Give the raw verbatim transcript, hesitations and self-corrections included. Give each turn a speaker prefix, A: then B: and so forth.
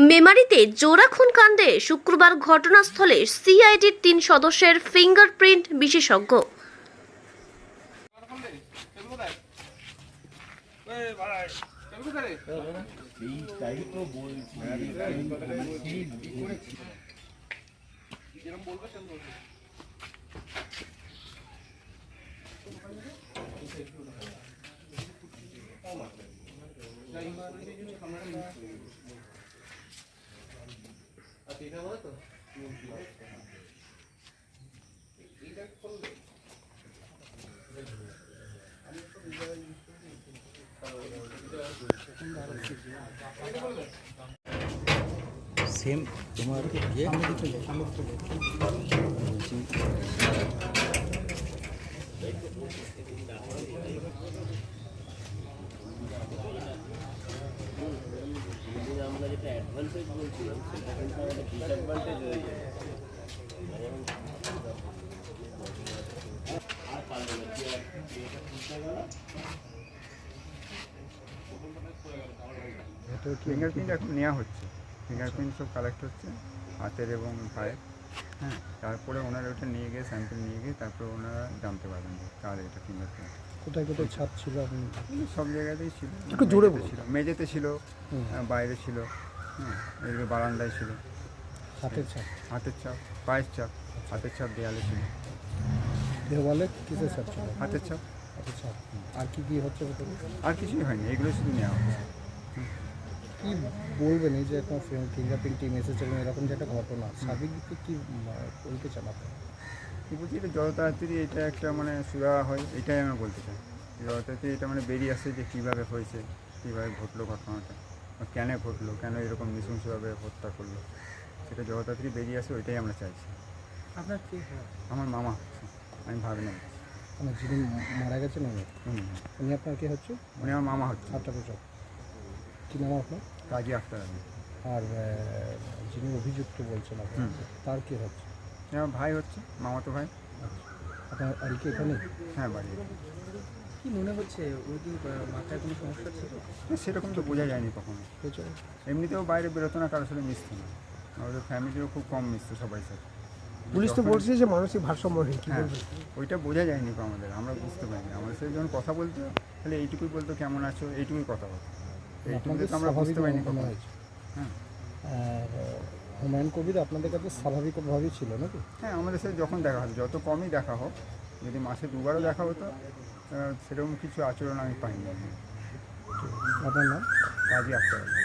A: মেমারিতে জোড়া খুন কাণ্ডে শুক্রবার ঘটনাস্থলে সিআইডির তিন সদস্যের ফিঙ্গারপ্রিন্ট বিশেষজ্ঞ।
B: সেম তোমার ইয়ে
C: আমরা যেটা অ্যাডভান্টেজ বলছিলাম সেটা কিন্তু আমাদের ডিসঅ্যাডভান্টেজ হয়ে যায়। আর পারবে না কি এটা খুলতে গেল
D: ফিঙ্গারপ্রিন্ট এখন নেওয়া হচ্ছে, ফিঙ্গারপ্রিন্ট সব কালেক্ট হচ্ছে হাতের এবং পায়ের। হ্যাঁ, তারপরে ওনারা ওটা নিয়ে গিয়ে স্যাম্পল নিয়ে গিয়ে তারপরে ওনারা জানতে পারবেন যে কার এটা ফিঙ্গারপ্রিন্ট।
E: কোথায় কোথায় ছাপ ছিল আপনি?
D: সব জায়গাতেই ছিল,
E: একটু জোরে
D: মেঝেতে ছিল, মেঝেতে ছিল, বাইরে ছিল, হ্যাঁ, এদিকে বারান্দায় ছিল।
E: হাতের ছাপ?
D: হাতের ছাপ, পায়ের ছাপ, হাতের ছাপ দেয়ালে ছিল।
E: দেওয়ালে কিসের ছাপ ছিল?
D: হাতের ছাপ।
E: হাতের ছাপ। আর কি কি হচ্ছে ভেতরে?
D: আর কিছুই হয়নি, এগুলো শুধু নেওয়া হচ্ছে।
E: কি বলবেন এই যে এখন ফিঙ্গারপ্রিন্ট টিম এসেছে এবং এরকম যে একটা ঘটনা, সার্বিক দিকে কী বলতে চান আপনি?
D: কী বলছি, এটা যত তাড়াতাড়ি এটা একটা মানে সুরা হয়, এটাই আমি বলতে চাই। যত তাড়াতাড়ি এটা মানে বেরিয়ে আসে যে কীভাবে হয়েছে, কীভাবে ঘটলো ঘটনাটা, বা কেন ঘটলো, কেন এরকম নৃশংসভাবে হত্যা করলো, সেটা যত তাড়াতাড়ি বেরিয়ে আসে ওইটাই আমরা চাইছি।
E: আপনার কি?
D: আমার মামা হচ্ছে, আমি ভাগ্নে।
E: মানে যিনি মারা গেছেন উনি?
D: উনি
E: উনি আপনার কি হচ্ছে?
D: উনি আমার মামা হচ্ছে।
E: আটটা বছর। কী নাম আপনার?
D: কাজী আখতার আলী।
E: আর যিনি অভিযুক্ত বলছেন আপনার, তার কী হচ্ছে?
D: আমার ভাই হচ্ছে, মামাতো ভাই।
E: আপনার আর কি এখানে?
D: হ্যাঁ, বাড়ি।
E: কি মনে হচ্ছে ওই কি মাথায় কোনো সমস্যা ছিল?
D: সেরকম তো বোঝা যায়নি কখনো। এমনিতেও বাইরে বেরোতো না, কারোর সাথে মিশতো না, আমাদের ফ্যামিলিও খুব কম মিশতো সবাই সাথে।
E: পুলিশ তো বলছে যে মানসিক ভারসাম্যহীন।
D: হ্যাঁ, ওইটা বোঝা যায়নি তো আমাদের, আমরা বুঝতে পারিনি। আমাদের সাথে যখন কথা বলতো তাহলে এইটুকুই বলতো কেমন আছো, এইটুকুই কথা বলতো, এইটুকুই তো আমরা বুঝতে পারিনি কখনো। হ্যাঁ,
E: আর হুমায়ুন কবির আপনাদের কাছে স্বাভাবিকভাবেই ছিল নাকি?
D: হ্যাঁ, আমাদের সাথে যখন দেখা হতো, যত কমই দেখা হোক, যদি মাসে দুবারও দেখা হতো, সেরকম কিছু আচরণ আমি পাইনি।
E: আপনার নাম?
D: কাজী আখতার আলী।